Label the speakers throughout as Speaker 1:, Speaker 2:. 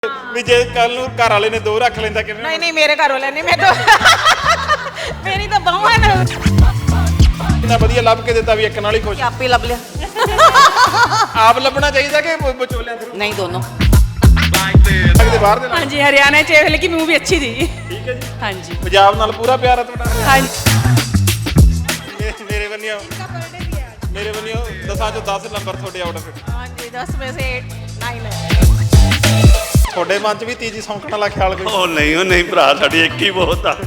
Speaker 1: ਵੀ ਜੇ ਕੱਲ ਨੂੰ ਘਰ ਵਾਲੇ ਨੇ ਦੋ ਰੱਖ ਲੈਂਦਾ ਕਿਵੇਂ?
Speaker 2: नहीं नहीं मेरे घर वाले नहीं मैं तो मेरी तो बहू है ना
Speaker 1: ਇੰਨਾ ਵਧੀਆ ਲੱਭ ਕੇ ਦਿੱਤਾ ਵੀ ਇੱਕ ਨਾਲ ਹੀ ਖੁਸ਼।
Speaker 2: आप ही लब लिया
Speaker 1: ਆਪ ਲੱਭਣਾ ਚਾਹੀਦਾ ਕਿ ਵਿਚੋਲਿਆਂ ਥਰੂ?
Speaker 2: नहीं दोनों
Speaker 1: ਲੱਗਦੇ ਬਾਹਰ ਦੇ ਨਾਲ।
Speaker 3: हाँ जी हरियाणा च लेकिन मूवी अच्छी थी।
Speaker 1: ਠੀਕ ਹੈ ਜੀ।
Speaker 3: हाँ जी
Speaker 1: ਪੰਜਾਬ ਨਾਲ ਪੂਰਾ ਪਿਆਰ ਹੈ ਤੁਹਾਡਾ?
Speaker 3: हाँ जी
Speaker 1: ਮੇਰੇ ਬੰਨਿਓ ਮੇਰੇ ਬੰਨਿਓ 10 ਚੋਂ 10 ਨੰਬਰ ਤੁਹਾਡੇ ਆਊਟ ਆਫ।
Speaker 2: हाँ जी 10 में से 9 है
Speaker 1: ਤੁਹਾਡੇ ਮਨ 'ਚ ਵੀ ਤੀਜੀ ਸੌਂਕਣ ਵਾਲਾ ਖਿਆਲ ਕੋਈ?
Speaker 4: ਉਹ ਨਹੀਂ ਭਰਾ ਸਾਡੀ ਇੱਕ ਹੀ ਬਹੁਤ ਆ।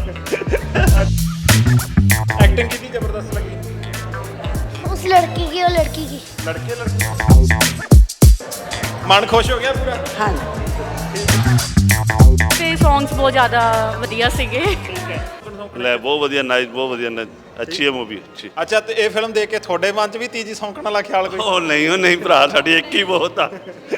Speaker 1: ਐਕਟਿੰਗ ਕਿੰਨੀ ਜ਼ਬਰਦਸਤ ਲੱਗੀ?
Speaker 5: उस लड़की की और लड़की की
Speaker 1: ਲੜਕੇ ਮਨ ਖੁਸ਼ ਹੋ ਗਿਆ ਪੂਰਾ?
Speaker 3: हाँ ਤੇ ਸੌਂਗਸ ਬਹੁਤ ਜ਼ਿਆਦਾ ਵਧੀਆ ਸੀਗੇ।
Speaker 4: ਲੈ ਬਹੁਤ ਵਧੀਆ ਨਾਈਸ ਬਹੁਤ ਵਧੀਆ ਅੱਛੀ ਹੈ ਮੂਵੀ ਅੱਛੀ।
Speaker 1: ਅੱਛਾ ਤੇ ਇਹ ਫਿਲਮ ਦੇਖ ਕੇ ਤੁਹਾਡੇ ਮਨ 'ਚ ਵੀ ਤੀਜੀ ਸੌਂਕਣ ਵਾਲਾ ਖਿਆਲ ਕੋਈ?
Speaker 4: ਉਹ ਨਹੀਂ ਭਰਾ ਸਾਡੀ ਇੱਕ ਹੀ ਬਹੁਤ ਆ।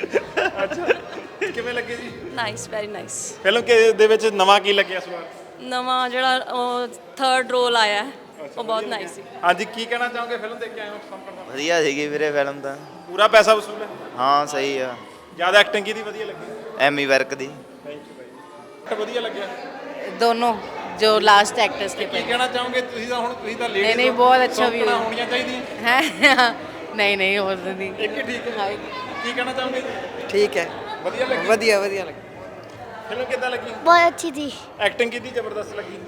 Speaker 1: ਕਿਵੇਂ ਲੱਗੀ ਜੀ
Speaker 6: ਨਾਈਸ ਵੈਰੀ ਨਾਈਸ।
Speaker 1: ਫਿਲਮ ਦੇ ਵਿੱਚ ਨਵਾਂ ਕੀ ਲੱਗਿਆ ਇਸ ਵਾਰ?
Speaker 6: ਨਵਾਂ ਜਿਹੜਾ ਉਹ ਥਰਡ ਰੋਲ ਆਇਆ ਹੈ, ਉਹ ਬਹੁਤ ਨਾਈਸ ਸੀ।
Speaker 1: ਹਾਂਜੀ ਕੀ ਕਹਿਣਾ ਚਾਹੋਗੇ ਫਿਲਮ ਦੇਖ ਕੇ ਆਏ ਹੋ? ਸੌਂਕਣ ਦਾ
Speaker 7: ਵਧੀਆ ਸੀਗੀ ਵੀਰੇ ਫਿਲਮ ਤਾਂ।
Speaker 1: ਪੂਰਾ ਪੈਸਾ ਵਸੂਲ ਹੈ?
Speaker 7: ਹਾਂ ਸਹੀ ਆ।
Speaker 1: ਜਿਆਦਾ ਐਕਟਿੰਗ ਕਿਹਦੀ ਵਧੀਆ ਲੱਗੀ?
Speaker 7: ਐਮੀ ਵਰਕ ਦੀ।
Speaker 1: ਥੈਂਕ ਯੂ ਬਾਈ। ਵਧੀਆ ਲੱਗਿਆ।
Speaker 2: दोनों जो लास्ट एक्टर्स के
Speaker 1: ਕੀ ਕਹਿਣਾ ਚਾਹੋਗੇ ਤੁਸੀਂ ਤਾਂ? ਹੁਣ ਤੁਸੀਂ ਤਾਂ ਲੇਡੀ
Speaker 2: नहीं, बहुत अच्छा view है।
Speaker 1: ਹੋਣੀਆਂ ਚਾਹੀਦੀਆਂ।
Speaker 2: हैं नहीं और नहीं
Speaker 1: ਇੱਕ ਹੀ ਠੀਕ ਹੈ। ਕੀ ਕਹਿਣਾ ਚਾਹੋਗੇ?
Speaker 8: ਠੀਕ ਹੈ
Speaker 1: ਵਧੀਆ ਲੱਗੀ।
Speaker 8: ਵਧੀਆ ਵਧੀਆ ਲੱਗੀ
Speaker 1: ਫਿਲਮ ਕਿੱਦਾਂ ਲੱਗੀ?
Speaker 5: बहुत अच्छी थी।
Speaker 1: ਐਕਟਿੰਗ ਕਿਹਦੀ ਜ਼ਬਰਦਸਤ ਲੱਗੀ?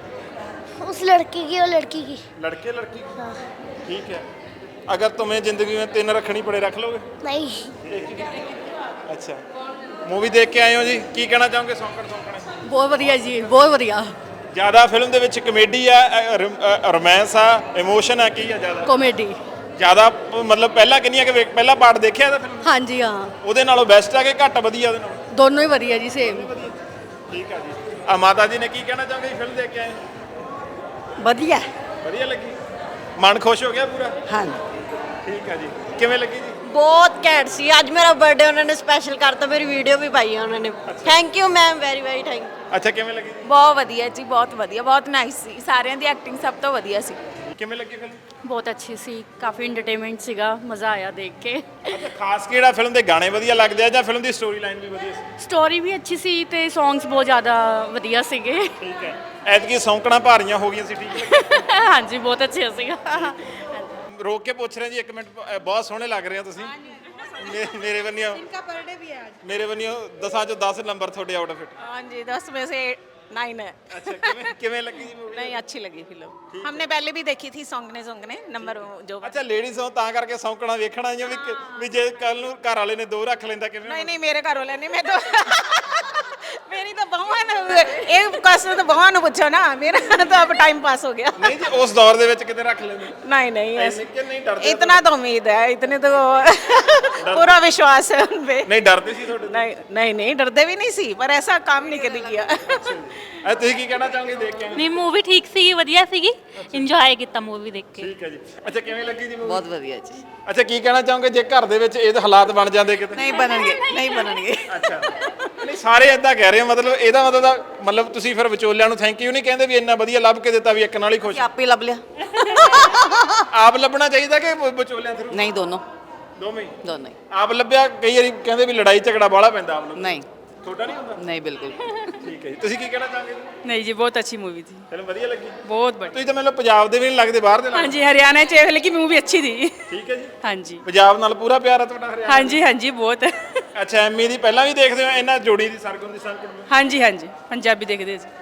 Speaker 5: उस लड़की की और लड़की की
Speaker 1: लड़के लड़की? ठीक है। अगर तुम्हें जिंदगी में 3 रखनी पड़े रख लोगे?
Speaker 5: नहीं
Speaker 1: अच्छा मूवी देख के आए हो जी, की कहना चाहोगे? सौंकण सौंकण
Speaker 3: ਬਹੁਤ ਵਧੀਆ ਜੀ ਬਹੁਤ ਵਧੀਆ।
Speaker 1: ਜਿਆਦਾ ਫਿਲਮ ਦੇ ਵਿੱਚ ਕਮੇਡੀ ਆ, ਰੋਮਾਂਸ ਆ, ਇਮੋਸ਼ਨ ਆ, ਕੀ ਆ ਜ਼ਿਆਦਾ?
Speaker 3: ਕਾਮੇਡੀ।
Speaker 1: ਜਿਆਦਾ ਮਤਲਬ ਪਹਿਲਾਂ ਕਿੰਨੀਆਂ ਕਿ ਪਹਿਲਾ ਪਾਰਟ ਦੇਖਿਆ ਇਹਦਾ ਫਿਲਮ?
Speaker 3: हाँ जी हाँ
Speaker 1: ਉਹਦੇ ਨਾਲੋਂ ਬੈਸਟ ਆ ਕਿ ਘੱਟ ਵਧੀਆ ਉਹਦੇ ਨਾਲੋਂ?
Speaker 3: दोनों ही ਵਧੀਆ ਜੀ ਸੇਮ।
Speaker 1: ਠੀਕ ਆ ਜੀ। ਆ ਮਾਤਾ ਜੀ ਨੇ ਕੀ ਕਹਿਣਾ ਚਾਹੋਗੇ ਫਿਲਮ ਦੇਖ ਕੇ ਆਏ?
Speaker 3: ਵਧੀਆ।
Speaker 1: ਵਧੀਆ ਲੱਗੀ? ਮਨ ਖੁਸ਼ ਹੋ ਗਿਆ ਪੂਰਾ?
Speaker 3: हाँ
Speaker 1: ਠੀਕ ਆ ਜੀ। ਕਿਵੇਂ ਲੱਗੀ ਜੀ?
Speaker 6: ਬਹੁਤ ਘੈਂਟ ਸੀ। ਅੱਜ ਮੇਰਾ ਬਰਥਡੇ ਉਹਨਾਂ ਨੇ ਸਪੈਸ਼ਲ ਕਰਤਾ, ਮੇਰੀ ਵੀਡੀਓ ਵੀ ਪਾਈ ਹੈ ਉਹਨਾਂ ਨੇ। Thank you ma'am very very thank you.
Speaker 1: ਅੱਛਾ ਕਿਵੇਂ ਲੱਗੀ ਜੀ?
Speaker 3: ਬਹੁਤ ਵਧੀਆ ਜੀ ਬਹੁਤ ਵਧੀਆ ਬਹੁਤ ਨਾਈਸ ਸੀ। ਸਾਰਿਆਂ ਦੀ ਐਕਟਿੰਗ ਸਭ ਤੋਂ ਵਧੀਆ ਸੀ।
Speaker 1: ਕਿਵੇਂ ਲੱਗੀ ਫਿਲਮ?
Speaker 3: ਬਹੁਤ ਅੱਛੀ ਸੀ ਕਾਫੀ ਇੰਟਰਟੇਨਮੈਂਟ ਸੀਗਾ ਮਜ਼ਾ ਆਇਆ ਦੇਖ ਕੇ।
Speaker 1: ਅੱਛਾ ਖਾਸ ਕਿਹੜਾ ਫਿਲਮ ਦੇ ਗਾਣੇ ਵਧੀਆ ਲੱਗਦੇ ਆ ਜਾਂ ਫਿਲਮ ਦੀ ਸਟੋਰੀ ਲਾਈਨ ਵੀ ਵਧੀਆ ਸੀ?
Speaker 3: ਸਟੋਰੀ ਵੀ ਅੱਛੀ ਸੀ ਤੇ ਸੌਂਗਸ ਬਹੁਤ ਜ਼ਿਆਦਾ ਵਧੀਆ ਸੀਗੇ।
Speaker 1: ਠੀਕ ਹੈ। ਐਤਕੀ ਸੌਂਕਣਾ ਭਾਰੀਆਂ ਹੋ ਗਈਆਂ ਸੀ? ਠੀਕ ਹੈ।
Speaker 3: ਹਾਂਜੀ ਬਹੁਤ ਅੱਛਾ ਸੀਗਾ।
Speaker 1: ਰੋਕ ਕੇ ਪੁੱਛ ਰਹੇ ਜੀ ਇੱਕ ਮਿੰਟ। ਬਹੁਤ ਸੋਹਣੇ ਲੱਗ ਰਹੇ ਹੋ ਤੁਸੀਂ। ਮੇਰੇ ਬੰਨਿਓ
Speaker 2: इनका बर्थडे भी है आज
Speaker 1: ਮੇਰੇ ਬੰਨਿਓ 10 ਚੋਂ 10 ਨੰਬਰ ਤੁਹਾਡੇ ਆਊਟ ਆਫ।
Speaker 2: हाँ जी 10 में से 9 है
Speaker 1: ਅੱਛਾ ਕਿਵੇਂ ਲੱਗੀ ਜੀ ਮੂਵੀ?
Speaker 2: नहीं अच्छी लगी फिल्म। हमने पहले भी देखी थी सोंगने नंबर जो
Speaker 1: ਅੱਛਾ ਲੇਡੀਜ਼ ਹੋ ਤਾਂ ਕਰਕੇ ਸੌਂਕਣਾ ਵੇਖਣਾ ਆਈਆਂ ਵੀ ਜੇ ਕੱਲ ਨੂੰ ਘਰ ਵਾਲੇ ਨੇ ਦੋ ਰੱਖ ਲੈਂਦਾ ਕਿਵੇਂ?
Speaker 2: नहीं नहीं मेरे घर वाले नहीं मैं तो मेरी तो बहू है ना एक क्वेश्चन तो बहू ने पूछो ना मेरा तो अब टाइम पास हो गया।
Speaker 1: ਨਹੀਂ ਜੀ ਉਸ ਦੌਰ ਦੇ ਵਿੱਚ ਕਿਤੇ ਰੱਖ ਲੈਂਦੇ?
Speaker 2: नहीं नहीं
Speaker 1: ਐਸੇ ਕਿ ਨਹੀਂ ਡਰਦੇ?
Speaker 2: इतना तो उम्मीद है इतने तो पूरा विश्वास है उन पे।
Speaker 1: ਨਹੀਂ ਡਰਦੇ ਸੀ ਤੁਹਾਡੇ ਤੋਂ?
Speaker 2: नहीं नहीं नहीं डरते भी नहीं सी पर ऐसा काम नहीं कभी किया।
Speaker 1: ਐ ਤੁਸੀਂ ਕੀ ਕਹਿਣਾ ਚਾਹੋਗੇ ਦੇਖ ਕੇ?
Speaker 9: ਨਹੀਂ ਮੂਵੀ ਠੀਕ ਸੀ ਵਧੀਆ ਸੀਗੀ ਇੰਜੋਏ ਕੀਤਾ ਮੂਵੀ ਦੇਖ ਕੇ।
Speaker 1: ਠੀਕ ਹੈ ਜੀ। ਅੱਛਾ ਕਿਵੇਂ ਲੱਗੀ ਜੀ ਮੂਵੀ?
Speaker 8: ਬਹੁਤ ਵਧੀਆ ਜੀ।
Speaker 1: ਅੱਛਾ ਕੀ ਕਹਿਣਾ ਚਾਹੋਗੇ ਜੇ ਘਰ ਦੇ ਵਿੱਚ ਇਹ ਹਾਲਾਤ ਬਣ ਜਾਂਦੇ ਕਿਤੇ?
Speaker 8: ਨਹੀਂ ਬਣਨਗੇ
Speaker 1: ਅੱਛਾ ਨਹੀਂ ਸਾਰੇ ਇਦਾਂ ਕਹਿ ਰਹੇ ਹੋ ਮਤਲਬ ਇਹਦਾ ਮਤਲਬ ਤੁਸੀਂ ਫਿਰ ਵਿਚੋਲਿਆਂ ਨੂੰ ਥੈਂਕ ਯੂ ਨਹੀਂ ਕਹਿੰਦੇ ਵੀ ਇੰਨਾ ਵਧੀਆ ਲੱਭ ਕੇ ਦਿੱਤਾ ਵੀ ਇੱਕ ਨਾਲ ਹੀ ਖੁਸ਼?
Speaker 2: आप ही लब लिया
Speaker 1: ਆਪ ਲੱਭਣਾ ਚਾਹੀਦਾ ਕਿ ਵਿਚੋਲਿਆਂ ਥਰੂ?
Speaker 2: नहीं दोनों
Speaker 1: ਦੋਵੇਂ ਹੀ?
Speaker 2: दोनों ही
Speaker 1: ਆਪ ਲੱਭਿਆ ਕਈ ਵਾਰੀ ਕਹਿੰਦੇ ਵੀ ਲੜਾਈ ਝਗੜਾ ਬਾਹਲਾ ਪੈਂਦਾ ਆਪ ਨੂੰ।
Speaker 2: नहीं
Speaker 1: ਤੁਹਾਡਾ ਨਹੀਂ ਹੁੰਦਾ?
Speaker 2: नहीं बिल्कुल
Speaker 1: ਠੀਕ ਹੈ ਜੀ। ਤੁਸੀਂ ਕੀ ਕਹਿਣਾ ਚਾਹੋਗੇ?
Speaker 3: ਨਹੀਂ ਜੀ ਬਹੁਤ ਅੱਛੀ ਮੂਵੀ ਥੀ
Speaker 1: ਫਿਲਮ ਵਧੀਆ ਲੱਗੀ?
Speaker 3: ਬਹੁਤ ਬੜੀ।
Speaker 1: ਤੁਸੀਂ ਤਾਂ ਮੈਨੂੰ ਪੰਜਾਬ ਦੇ ਵੀ ਨਹੀਂ ਲੱਗਦੇ ਬਾਹਰ ਦੇ
Speaker 3: हाँ
Speaker 1: ਨਾਲ।
Speaker 3: जी हरियाणा च लेकिन मूवी अच्छी थी।
Speaker 1: ਠੀਕ ਹੈ ਜੀ।
Speaker 3: हाँ जी
Speaker 1: ਪੰਜਾਬ ਨਾਲ ਪੂਰਾ ਪਿਆਰ ਹੈ ਤੁਹਾਡਾ ਹਰਿਆਣਾ?
Speaker 3: हाँ जी हाँ जी बहुत।
Speaker 1: ਅੱਛਾ ਐਮੀ ਦੀ ਪਹਿਲਾਂ ਵੀ ਦੇਖਦੇ ਹੋ ਇਹਨਾਂ ਜੋੜੀ ਦੀ ਸਰਗੁਣ ਦੀ ਸੰਕਟ ਨੂੰ?
Speaker 3: हाँ जी पंजाबी देखते जी।